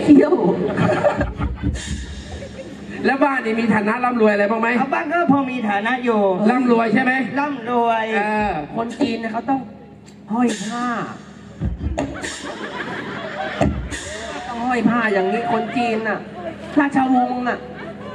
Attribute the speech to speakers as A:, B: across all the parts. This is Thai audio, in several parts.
A: เที่ยวแล้วบ้านนี่มีฐานะร่ำรวยอะไรบ้างไหม
B: บ้านก็พอมีฐานะอยู่
A: ร่ำรวยใช่ไหม
B: ร่ำรวย
A: คนจีนเขาต้องห้อยผ้าต้องห้อยผ้าอย่างนี้คนจีนน่ะราชวงศ์น่ะ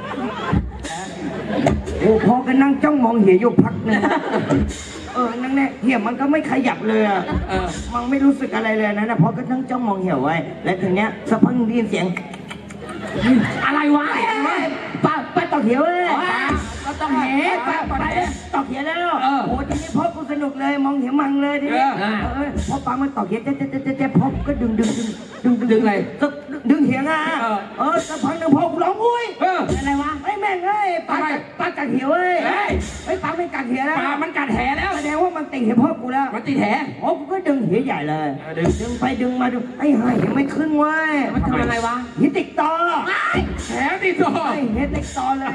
B: โอ้พอกันนั่งจ้องมองเหี่ยอยู่พักนึงนั่งแน่เหี่ยมันก็ไม่ขยับเลยอ่ะมันไม่รู้สึกอะไรเลยนะพอก็นั่งจ้องมองเหี่ยไว้แล้วทีเนี้ยสักพักได้ยินเสียง
A: อะไรวะ
B: ไปต่อเหี่ยวเลย
A: ก็ต้องแห
B: ไปต่อเหี่ยวแล้วโอ้ทีนี้พ่อกูสนุกเลยมองเหี่ยมังเลยทีนี้พอปังมันต่อเหี่ยวเจ๊พ่อก็ดึง
A: อะไร
B: ดึงเหี่ยงอ่ะสักพักนึงพ่อกูร้องอุ้ย
A: อะไรวะ
B: ไอ้แม่งเอ้ยปลากัดเหี่ยวเอ้ยไอ้ปลาไม่กัดเหี่ยวแล้ว
A: ปลามันกัดแหแล้ว
B: แสดงว่ามันติดเหี่ยพ่อกูแล้ว
A: มันติดแห
B: พ่อกูก็ดึงเหี่ยใหญ่เลยดึงไปดึงมาดึงไอ้ห่าเหี่ยไม่ขึ้นเว้ย
A: มันทำอะไรวะ
B: เหี่ยติดต่อ
A: แหติดต่อ
B: เหี่ยติดต่อเลย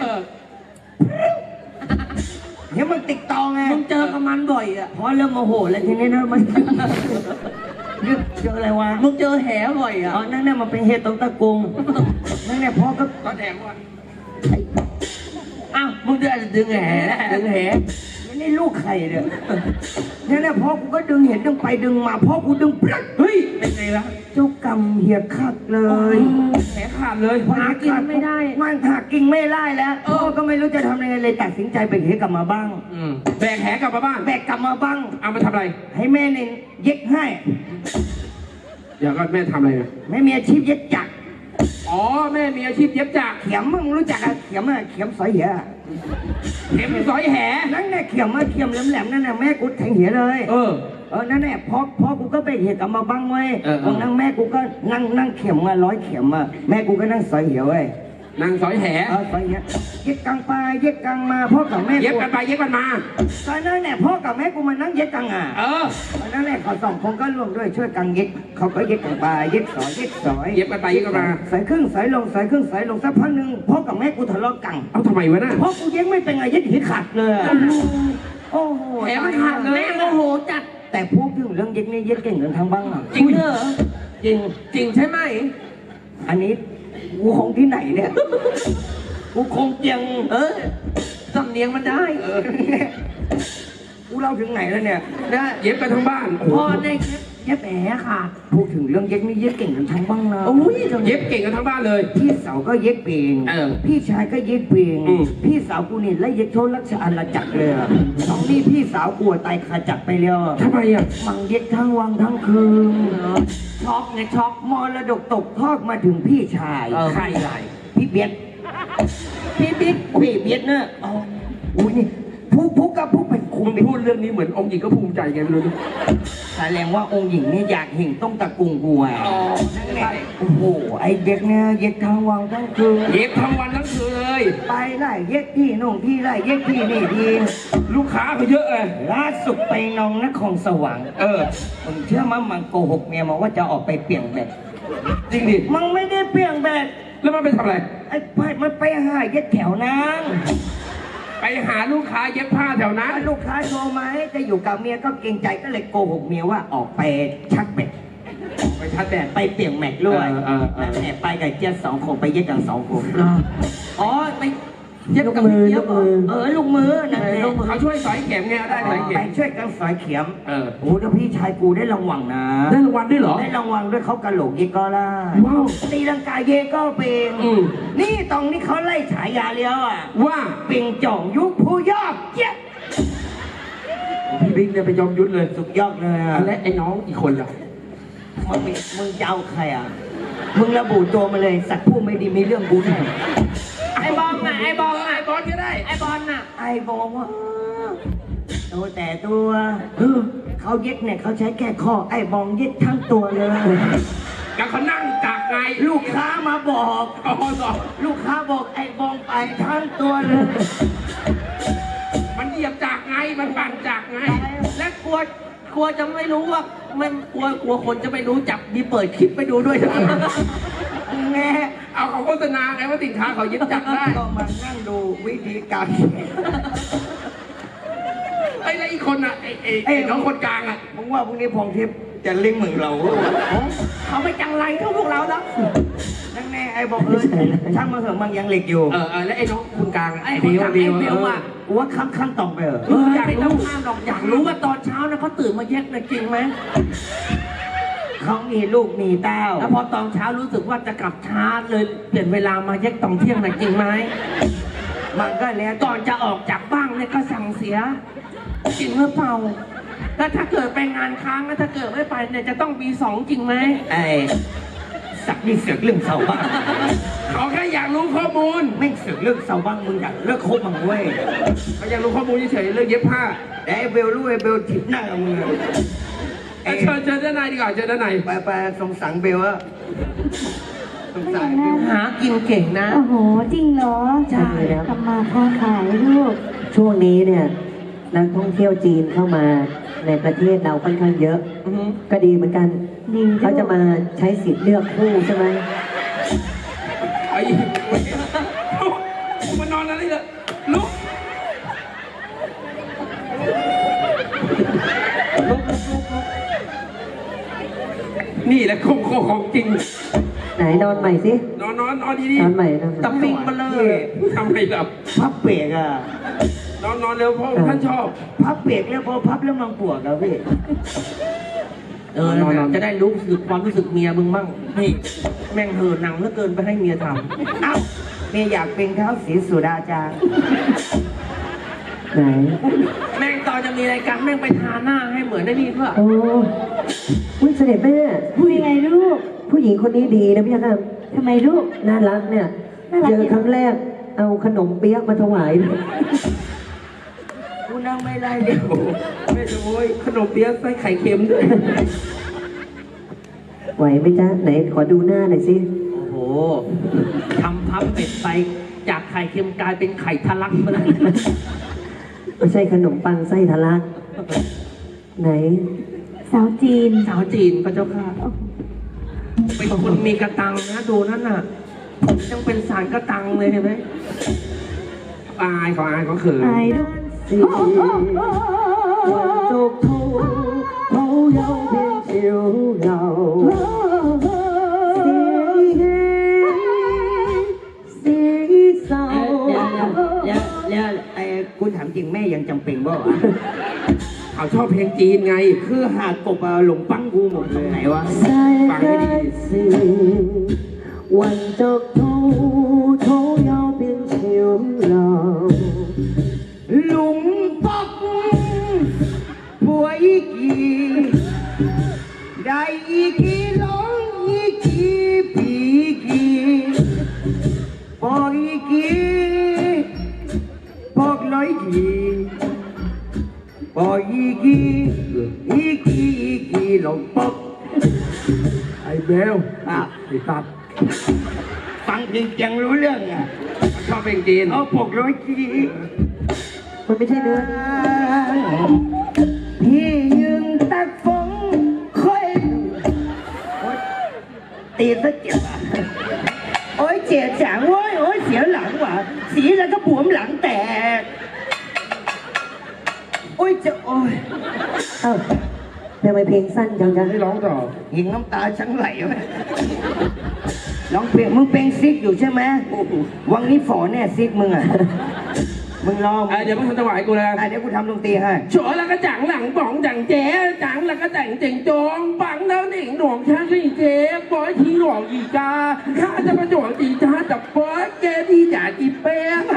B: เหี่ยมันติดต่อไง
A: มึงเจอกับมันบ่อยอ่ะ
B: พอเริ่มโมโหแล้วทีนี้นะมันเจออะไรวะ
A: มึงเจอแหบ่อยอ่ะ
B: นั่นเนี่ยมันเป็นเห็ดตรงตะกุงนั่นเนี่ยพ่อ
A: ก็แดงว่ะอ้าวมึงดึงแห
B: นี่ลูกไข่เนี่ยนั่นเนี่ยพ่อกูก็ดึงเห็ดดึงไปดึงมาพ่อกูดึงปลั๊ก
A: เฮ้ยเป็นไงล่ะ
B: เจ้ากรรมเหี่ยขาดเลย
A: แหขาดเลย
B: หากินไม่ได้มันหากินไม่ได้แล้วพ่อก็ไม่รู้จะทำยังไงเลยตัดสินใจแบกเหี่ยกลับมาบ้าง
A: แบกแหกลับมาบ้าง
B: แบกกลับมาบ้าง
A: เอามาทำอะไร
B: ให้แม่เนี่ยเย็บให้
A: อย่าก็แม่ทำอะไรนะ
B: แม่มีอาชีพเย็บจักร
A: อ๋อแม่มีอาชีพเย็บจักร
B: เข็มมึงรู้จักอะเข็มสอยเหี่ย
A: เข็มสอยแห
B: นั่นแหละเข็มแหลมนั่นน่ะแม่กูแทงเหี่ยเลยนั่นแหละพ่อกูก็ไปเหี่ยกลับมาบ้างเว้ยนั่งแม่กูก็นั่งเข็ม100 เข็มแม่กูก็นั่งสอยเหี่ยเว้ย
A: นางสอยแห
B: สอยเหี่ยเย็บกลางไปเย็บกลางมาพ่อกับแม่
A: เย็บกันไปเย็บกันมา
B: ตอนนั้นเนี่ยพ่อกับแม่กูมานั่งเย็บกลางนั่นแหละเขา2 คนก็ร่วมด้วยช่วยกันเย็บเขาก็เย็บกลางไปเย็บสอยเย็บ
A: กันไปเย็บกันมา
B: ใส่ครึ่งใส่ลงสักพักนึงพ่อกับแม่กูทะเลาะกัน
A: เอาทำไมวะน่ะ
B: พ่อกูเย็บไม่เป็นไงเย็บหีขาดเลยโอ้โห
A: แหมขาดเลยโอ้โหจัด
B: แต่พวกที่เรื่องเย็บนี่เย็บเก่งกันทั้งบ้าง
A: จริงเหรอจริงใช่ไหม
B: อันนี้กูคงที่ไหนเนี่ยกูคงเจียง
A: สำเนียงมันได้
B: กูเล่าถึงไหนแล้วเนี่ย
A: เย็บกันทั้งบ้าน
B: พ่อได้เย็บแหมค่ะพูดถึงเรื่องเย็บนี่เย็บเก่งกันทั้งบ้างนะ
A: เย็บเก่งกันทั้งบ้านเลย
B: พี่สาวก็เย็บเก่งพี่ชายก็เย็บเก่งพี่สาวกูนี่ไล่เย็บโทษรัชอาณาจักรเลย2 นี่พี่สาวกูตายขาจักรไปแล้ว
A: ทำไมอ่ะ
B: มังเย็บทั้งวันทั้งคืนช็อกไงช็อกมรดกตกทอดมาถึงพี่ชาย
A: ใครไร
B: พี่เบียดพี่เบียดเนี่ยอุ้ยนี่ผู้กับผู้เป็น
A: คุณพูดเรื่องนี้เหมือนองค์หญิงก็ภูมิใจไงไม่รู้
B: แสดงว่าองค์หญิงเนี่ยอยากเห็นต้องตะกุงกูอ่ะโอ้โหไอเด็กเนี่ยเย็ดทั้งวันทั้งคืน
A: เย็ดทั้งวันทั้งคืนเลย
B: ไปไล่เย็ดที่นู่นที่ไล่เย็ดที่นี่ดี
A: ลูกค้าเขาเยอะเลย
B: ล่าสุดไปนองนครสวรรค์มึงเชื่อมั้ยมันโกหกเมียมาว่าจะออกไปเปลี่ยนแบต
A: จริงดิ
B: มันไม่ได้เปลี่ยนแบต
A: แล้วมันไปทำอะไร
B: ไอ้ไปมันไปหาเย็ดแถวนั้น
A: ไปหาลูกค้าเย็บผ้าแถวนั้น
B: ลูกค้าโทรมาจะอยู่กับเมียก็เกรงใจก็เลยโกหกเมียว่าออกไปชักแบต
A: ไปชักแบต
B: ไปเปลี่ยนแม็กด้วยแอบไปกับเจี๊ยบ2 คนไปเย็บกัน2 คนอ๋อไปเย็บกับมือลูกมือนั่นเอง
A: เขาช่วยสอยเข็มไงได้สอยเข็ม
B: ไปช่วยกันสอยเข็มโอ้แล้วพี่ชายกูได้รางวัลนะ
A: ได้รางวัลด้วยเหรอ
B: ได้รางวัลด้วยเขากระโหลกเยก็ล่า
A: ว้าว
B: ตีลังกาเยก็เป็นนี่ตรงนี้เขาไล่ฉายาเลี้ยว
A: ว่า
B: ปิงจ่องยุคผู้ยอดเจี๊ยบ
A: พี่บิ๊กเนี่ยไปยอมยุทธเลย
B: สุดยอดเลย
A: และไอ้น้องอีกคนล่ะ
B: มึงจะเอาใครมึงระบุตัวมาเลยสัตว์ผู้ไม่ดีมีเรื่องบุญ
A: ไอ้บอลน่ะไอ้บอลก็ได้ไอ้บอลน่ะ
B: ไอ้บอลว่าตัวแต่ตัวเขาเย็ดเนี่ยเขาใช้แค่ข้อไอ้บอลเย็ดทั้งตัวเลย
A: แล้วเขานั่งจากไง
B: ลูกค้ามาบอกลูกค้าบอกไอ้บอลไปทั้งตัวเลย
A: มันเหยียบจากไงมันปั่นจากไง
B: และกลัวจะไม่รู้ว่ามันกลัวคนจะไม่รู้จับมีเปิดคลิปไปดูด้วยแง่
A: เอาเขาโฆษณาไงว่าสินค้าเขายึดจับได้
B: ก็มานั่งดูวิธีการ
A: ไอ้แล้วอีกคนอ่ะไอ้น้องคนกลางอ่ะ
B: มึงว่าพวกนี้พงทิพย์จะเลี้ยงมึงเรา
A: เขาไม่จังไรเท่าพวกเราแล้ว
B: ไอ้บอกช่างมาเถอะมันยังเหล็กอยู่
A: แล้วไอ้น้องคุณกลาง
B: ไอ้คนทำไอ้เบลอ่ะว่าข้างต่อไปเหรอ
A: อยากรู้ห้ามหรอกอยากรู้ว่าตอนเช้านะเขาตื่นมาแยกนะจริงไหม
B: เขามีลูกมีเต้า
A: แล้วพอตอนเช้ารู้สึกว่าจะกลับช้าเลยเปลี่ยนเวลามาแยกตอนเที่ยงนะจริงไหม
B: มันก็แล้ว
A: ก่อนจะออกจากบ้านเนี่ยก็สั่งเสียจริงหรือเปล่าแล้วถ้าเกิดไปงานค้างแล้วถ้าเกิดไม่ไปเนี่ยจะต้องมีสองจริงไหม
B: ไอ้สักนี่เสือกเรื่องเสาบ้าง
A: เขาแค่อยากรู้ข้อมูล
B: ไม่เสือกเรื่องเสาบ้างมึงอยากเลิกคบมันเว้ย
A: เขาอยากรู้ข้อมูลเฉยๆเรื่องเย็บผ้า
B: แต่ไอ้เบลรู้ไอ้เบลถิบหน้ามึงไอ้
A: เชิญด้านในดีกว่าเชิญด้านใน
B: ไปสงสารเบลอะสงสารเบล
A: หากินเก่งนะ
C: โอ้โห จริงเหรอ
A: ใช่
C: ทำมาค้าขายลูก
D: ช่วงนี้เนี่ยนักท่องเที่ยวจีนเข้ามาในประเทศเราค่อนข้างเยอะ
A: อือฮึ
D: ก็ดีเหมือนกัน
C: ดี
D: เขาจะมาใช้สิทธิ์เลือกคู่ใช่ไหม
A: ไอ้มานอนอะไรเนี่ยลุกนี่แหละของจริง
D: ไหนนอนใหม่สิ
A: นอนดี
D: นอนใหม่นอนใหม่
A: ตำปิงมาเลยทำไมล่ะ
B: พับเบรกอะ
A: นอนเร็วเพราะท่านชอบ
B: พับเบรกแล้วพอพับแล้วมันปวดแล้วพี่
A: นอนจะได้รู้สึกความรู้สึกเมียมึงบ้างนี่แม่งเห่อหนังเหลือเกินไปให้เมียท
B: เอ้าเมียอยากเป็นเท้าสีสุดาจารย์
D: ไหน
A: ำแม่งตอนจะมีรายการแม่งไปทาหน้าให้เหมือนได้นี่เพื่อ
D: โอ้อุ๊ยเสด็จแม่
C: พูดยังไงลูก
D: ผู้หญิงคนนี้ดีนะพี่ครับ
C: ทำไมลูก
D: น่ารักเนี่ย
C: น่ารัก
D: เจอครั้งแรกเอาขนมเปี๊ยกมาถวาย
B: กูนั่งไม่ได้เดี๋ยว
A: ไม่โอ้ยขนมเปี๊ยะใส่ไข่เค็มด้วย
D: ไหวไหมจ๊ะไหนขอดูหน้าหน่อยสิ
A: โอ้โหทำพับเป็ดไปจากไข่เค็มกลายเป็นไข่ทะลักไปเลย
D: ไม่ใช่ขนมปังไส้ทะลัก ไหน
C: สาวจีน
A: สาวจีนพระเจ้าค่ะเป็นคนมีกระตังนะดูนั่นน่ะยังเป็นสารกระตังเลยเห็นไหมอายเขาเขิน
C: อายลูก
D: 是還俗套，好有片潮流。是手，
B: แล้วไอ้คุณถามจริงแม่ยังจำเป็นบ่วะ
A: เขาชอบเพลงจีนไง
B: คือหากกบอะหลงปังกูหมดเลยไหนวะ
D: 世界是混俗套，好有片潮流。
B: หลุมปักป่วยอีกีได้อีกีร้องอีกีปีกีปอกอีกีปอกร้อยกีปอกอีกีหลงปัก
A: ไอ้เบล
B: อ่ะ
A: ไอ้ตัด
B: ฟังจริงยังรู้เรื่องอ่ะ
A: ชอบเพลงจีน
B: เอาปอกร้อยกี
D: มันไม่ใช่เนื้อ
B: พี่ยืนตักฝงค่อยโอ๊ยตีซะเจ็บอ่ะโอ้ยเจ็บจังเว้ยโอ้ยเสียหลังว่ะสีแล้วก็บวมหลังแตกโอ้ยจะโอ้ย
D: เอ้าทำไมเพลงสั้นจังจ๊ะ
A: ให้ร้องต่อ
B: ยิงน้ำตาฉันไหลไหมร้องเพลงมึงเป็นซิกอยู่ใช่ไหมวังนี้ฝอแน่ซิกมึงอ่ะมึงรอ
A: เดี๋ยวมึงทำจังหวะให้กูเลย
B: เดี๋ยวกูทำดนตรีให้
A: ชัวแล้วก็จังหลังป๋องจังเจ๊จังแล้วก็แต่งเจ๋งจงปังแล้วหนิงหลวงชาลี่เจ๊ปอยทีหลวงอีกาข้าจะมาหลวงจีจ้าจับปอยแกที่จ่าจีเป้ง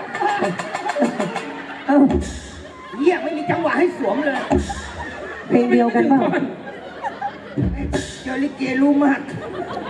D: เอ้า
B: เยี่ยไม่มีจังหวะให้สวมเลย
D: เพลงเดียวกันเปล่า
B: เจอลิเกรู้มาก